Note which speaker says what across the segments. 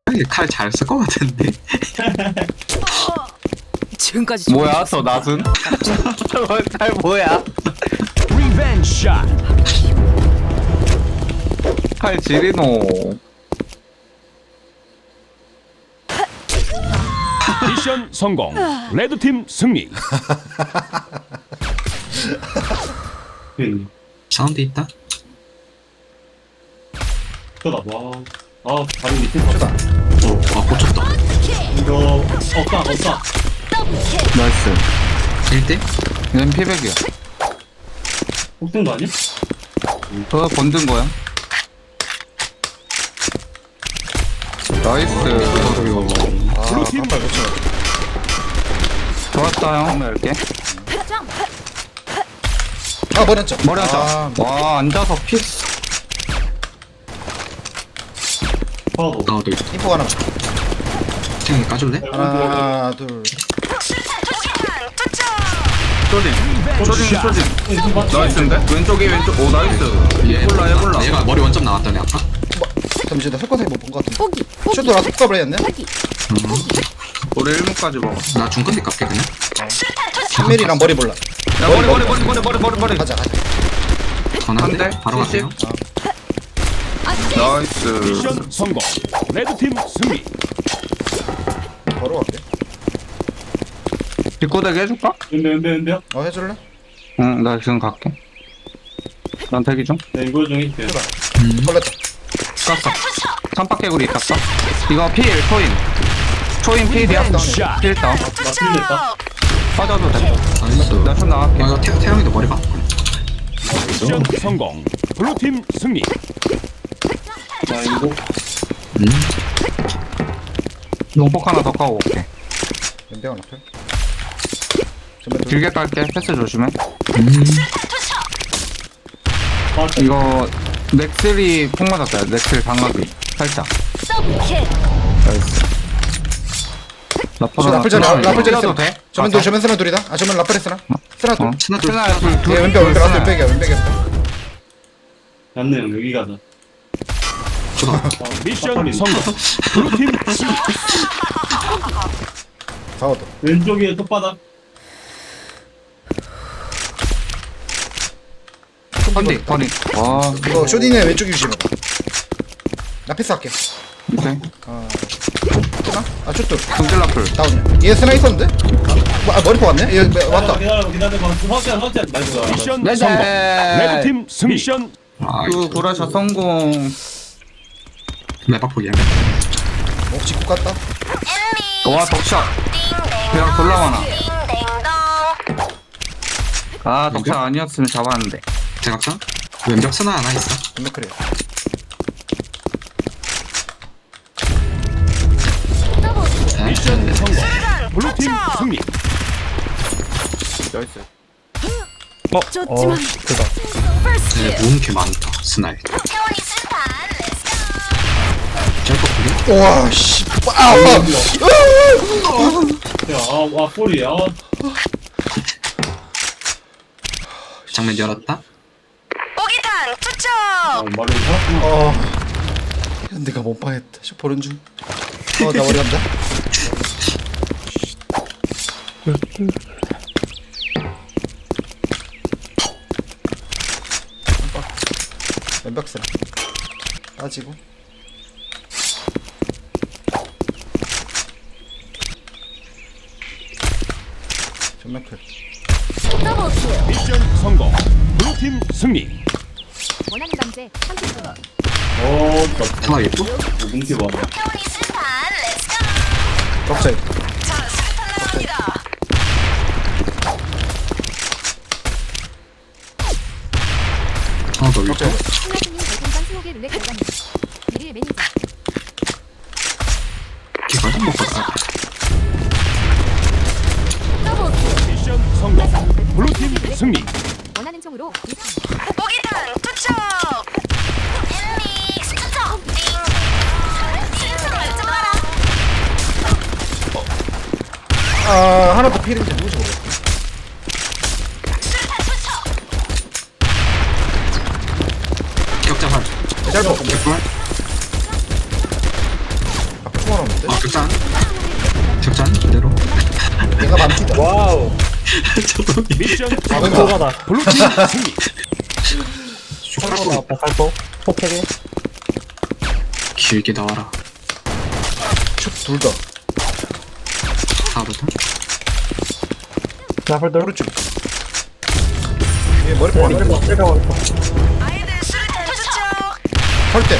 Speaker 1: 칼 잘 쓸 것 같은데.
Speaker 2: 지금까지
Speaker 3: 뭐야 저 낫은? 칼 뭐야?
Speaker 4: 리벤지 샷.
Speaker 3: 칼 지리노.
Speaker 4: 미션 성공. 레드팀 승리.
Speaker 1: 사운드 있다.
Speaker 5: 쩌다 와. 아 다리 밑에 쳤다.
Speaker 1: 고쳤다.
Speaker 5: 이거 없다.
Speaker 3: 나이스.
Speaker 1: 1대?
Speaker 3: 얘는 피백이야.
Speaker 5: 폭탄 거 아니야?
Speaker 3: 그거 건든 거야. 나이스.
Speaker 4: 블루팀
Speaker 3: 좋았다 형. 한번 열게.
Speaker 6: 아 머리였죠.
Speaker 3: 머리 하자. 와 앉아서 피스.
Speaker 5: 파워도.
Speaker 1: 나도 있다.
Speaker 6: 인포 하나.
Speaker 1: 탱이 까줄래?
Speaker 6: 하나 둘.
Speaker 3: 쇼딩. 나이스인데? 왼쪽이 왼쪽. 오 나이스. 해볼라.
Speaker 1: 얘가 머리 원점 나왔더니 아까?
Speaker 6: 잠시 나 설거지 못본 것 같은데.
Speaker 2: 포기
Speaker 6: 쇼도 나 속값을 했네.
Speaker 3: 우리 1문까지 먹어.
Speaker 1: 나 중간대 깎게 그냥.
Speaker 6: 3mm랑 머리 몰라.
Speaker 3: 야 머리.
Speaker 6: 가자.
Speaker 1: 전화한대?
Speaker 3: 한 대?
Speaker 1: 바로 갈게요.
Speaker 3: 나이스.
Speaker 4: 미션 성공. 레드팀 승리.
Speaker 6: 바로 갈게.
Speaker 3: 뒷고데기 해줄까?
Speaker 5: 근데요?
Speaker 6: 해줄래?
Speaker 3: 응, 나 지금 갈게. 난 대기 중.
Speaker 5: 네 이거 좀 해줄게요.
Speaker 6: 걸렸다.
Speaker 3: 깠어. 삼박개구리 깠어. 이거 필, 초인 필이야.
Speaker 4: 샷.
Speaker 3: 필 다운.
Speaker 5: 나 틀렸다.
Speaker 3: 빠져도 돼.
Speaker 1: 나이스.
Speaker 3: 나좀 나갈게.
Speaker 1: 이거 태영이도 머리 봐.
Speaker 4: 미션 성공. 블루팀 승리.
Speaker 5: 나 이거
Speaker 3: 용폭 하나 더 까고 올게.
Speaker 6: 연병 앞에. 전면 둘.
Speaker 3: 길게 깔게. 패스 조심해.
Speaker 5: 아,
Speaker 3: 이거 넥슬이 폭 맞았다. 넥슬 방어기. 살짝. 나이스.
Speaker 6: 쇼 라플 전 라플 전
Speaker 3: 뛰어도
Speaker 6: 있어.
Speaker 3: 돼?
Speaker 6: 전면 둘 전면 쓰나 둘이다. 아 전면 라플 했으나. 쓰나 둘.
Speaker 1: 스나 둘.
Speaker 3: 스나야 둘.
Speaker 6: 얘 왼병 라플 백이야.
Speaker 5: jas네 형 여기 가자.
Speaker 4: 미션 성공. 블루팀 승리.
Speaker 6: 사워도.
Speaker 5: 왼쪽에 톱바닥.
Speaker 3: 컨디. 와.
Speaker 6: 이거 쇼딘의 왼쪽 유심해봐. 나 패스할게.
Speaker 3: 오케이.
Speaker 6: 쓰나? 아 쇼트.
Speaker 3: 금질 라플.
Speaker 6: 다운이야. 얘 쓰나 있었는데? 머리포 왔네? 얘 왔다.
Speaker 5: 기다려봐. 확실한. 나이스.
Speaker 4: 미션
Speaker 3: 네.
Speaker 4: 성공. 레드팀 승리. 미션
Speaker 3: 그 보라샷 성공.
Speaker 1: 매박폭이야.
Speaker 6: 직구 갔다.
Speaker 3: 와 덕샷. 그냥 졸라 많아. 아 덕샷 아니었으면 잡았는데.
Speaker 1: 대각선? 왼벽 스나 하나 있어.
Speaker 6: 전면 그래.
Speaker 4: 미션 성공. 블루팀 승리.
Speaker 3: 나이스.
Speaker 2: 쫓지마
Speaker 1: 네, 모은 게 많다. 스나에. 짧고 크게?
Speaker 6: 우와 씨.
Speaker 5: 와 꼬리.
Speaker 1: 장면 열었다.
Speaker 5: 말을 살았구나.
Speaker 6: 내가 못 봐했다. 쇼 보는 중. 나 머리 간다. 왼벽 쓰나. 빠지고. 전면 클.
Speaker 4: 미션 성공. 블루팀 승리.
Speaker 2: 원하는 강제 30분
Speaker 1: 스나 예쁘?
Speaker 5: 뭉치 봐.
Speaker 6: 덕자.
Speaker 1: 하나 더 있고.
Speaker 2: 신라스님 별풍선 20개 룰렛 결과입니다. 1일 매니저
Speaker 1: 기가 좀 먹고 가.
Speaker 4: 미션 성공. 블루팀 승리.
Speaker 2: 원하는 총으로
Speaker 6: 하나 더 필인데 누구지 모르겠어.
Speaker 1: 기억자 활.
Speaker 6: 짧아.
Speaker 1: 개꿀. 격잔. 격잔 그대로.
Speaker 6: 내가 반피다.
Speaker 7: 와우.
Speaker 1: 저동이.
Speaker 4: 미션
Speaker 7: 아무거나.
Speaker 4: 블루팀 승리.
Speaker 7: 살포 살포. 폭ሄ게.
Speaker 1: 길게 나와라.
Speaker 6: 둘 다.
Speaker 1: 하부터.
Speaker 7: 나플들.
Speaker 6: 오른쪽. 얘 머리 빠리. 설대.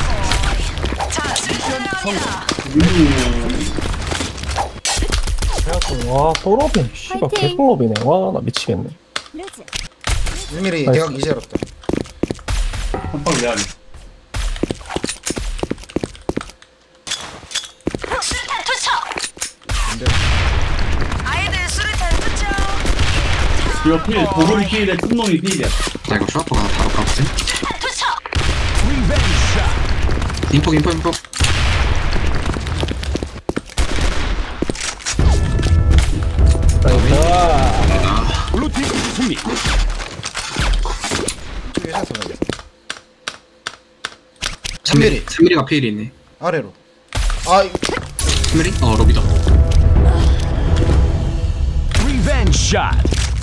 Speaker 7: 와 소로빈. 씨발
Speaker 2: 파이팅.
Speaker 7: 개소로빈네. 와 나 미치겠네.
Speaker 2: 루즈.
Speaker 6: 1mm 대각 이제 열었다.
Speaker 5: 한방 내야지. 이거 필, 보금 필에 틈놈이 필이야.
Speaker 1: 나 이거 슈아퍼가 바로 가거든. 인폭.
Speaker 4: 블루팀 승리.
Speaker 6: 이쪽에 해서 가겠어.
Speaker 1: 3mm. 3mm가 필이 있네.
Speaker 6: 아래로. 아,
Speaker 1: 3mm? 로비다.
Speaker 4: 리벤지 샷.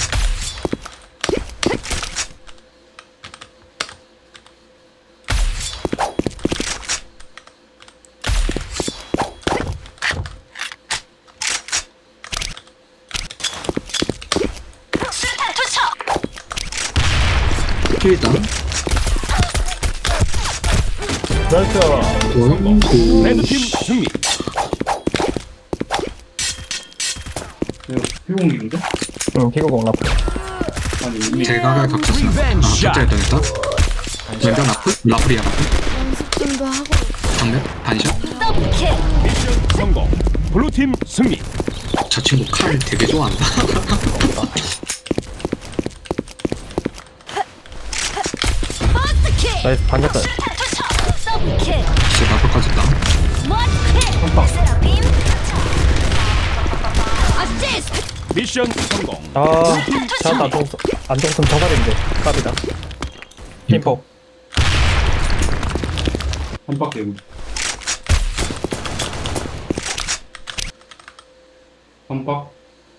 Speaker 1: 필다.
Speaker 7: 나이스.
Speaker 4: 레드팀 승리.
Speaker 5: 이거 피공기인데?
Speaker 7: 응 피고공 나플.
Speaker 5: 아니, 이미.
Speaker 1: 대각을 겹쳤으나. 격자였던 했다. 왼쪽 라플? 라플이야 라플.
Speaker 2: 연습 좀더 하고.
Speaker 1: 정면? 반샷?
Speaker 4: 미션 성공. 블루팀 승리.
Speaker 1: 저 친구 칼 되게 좋아한다.
Speaker 7: 나이스 반짝다.
Speaker 1: 진짜 라플까지 있다.
Speaker 4: 미션 성공.
Speaker 7: 아 자 안정선 저살인데 깝이다. 킴포.
Speaker 5: 한박 대고. 한박.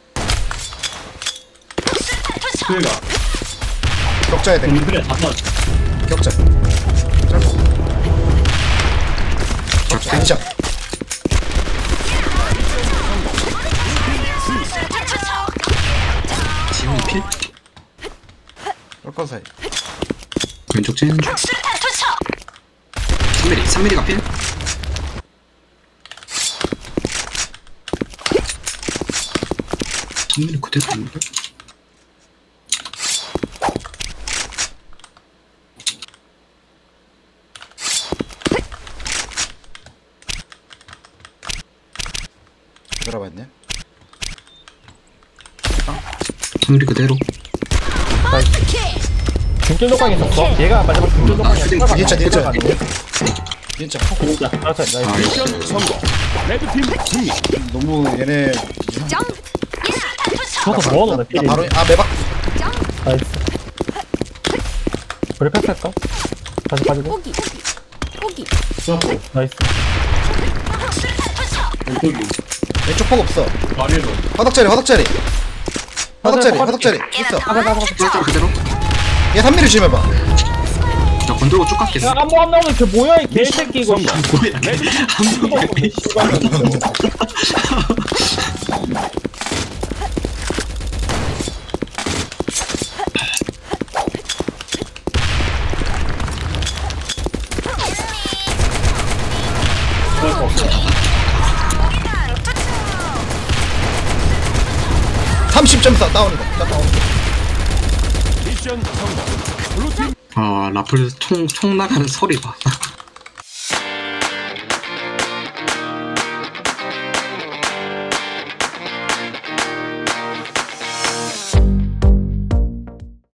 Speaker 5: 필가.
Speaker 6: 격자에 대.
Speaker 5: 좀 필에 다 나.
Speaker 6: 격자. 짧고. 반샷.
Speaker 1: 지훈이 필?
Speaker 6: 럴건 사이.
Speaker 1: 왼쪽 찐. 3mm가 필? 정밀이 그대로 있는데?
Speaker 6: 들어봤네.
Speaker 1: 정밀이 그대로.
Speaker 7: 중길 녹광 있었어. 얘가 마지막 중길 녹광
Speaker 1: 슈딩
Speaker 6: 진짜. 진짜.
Speaker 7: 나이스.
Speaker 1: 아,
Speaker 4: 미션 성공. 레드팀 승리.
Speaker 6: 너무 얘네.
Speaker 7: 저거 뭐하노 나
Speaker 6: 나 바로 매박.
Speaker 7: 나이스. 우리 패스할까? 다시 빠지고.
Speaker 2: 꼬기.
Speaker 5: 수학고.
Speaker 7: 나이스.
Speaker 5: 왼쪽이.
Speaker 6: 왼쪽 폭 없어.
Speaker 5: 말해도.
Speaker 6: 화덕자리. 있어.
Speaker 1: 쫄쫄 그대로.
Speaker 6: 얘 3mm 조심해봐.
Speaker 1: 나 건들고 쭉 갔겠어.
Speaker 7: 야 안무 안 나오는 그 뭐야 이 개새끼 이거.
Speaker 1: 뭐야? 한 번에 필.
Speaker 6: 다운이다.
Speaker 4: 미션 성공. 블루팀
Speaker 1: 아 라플 총 나가는 소리 봐.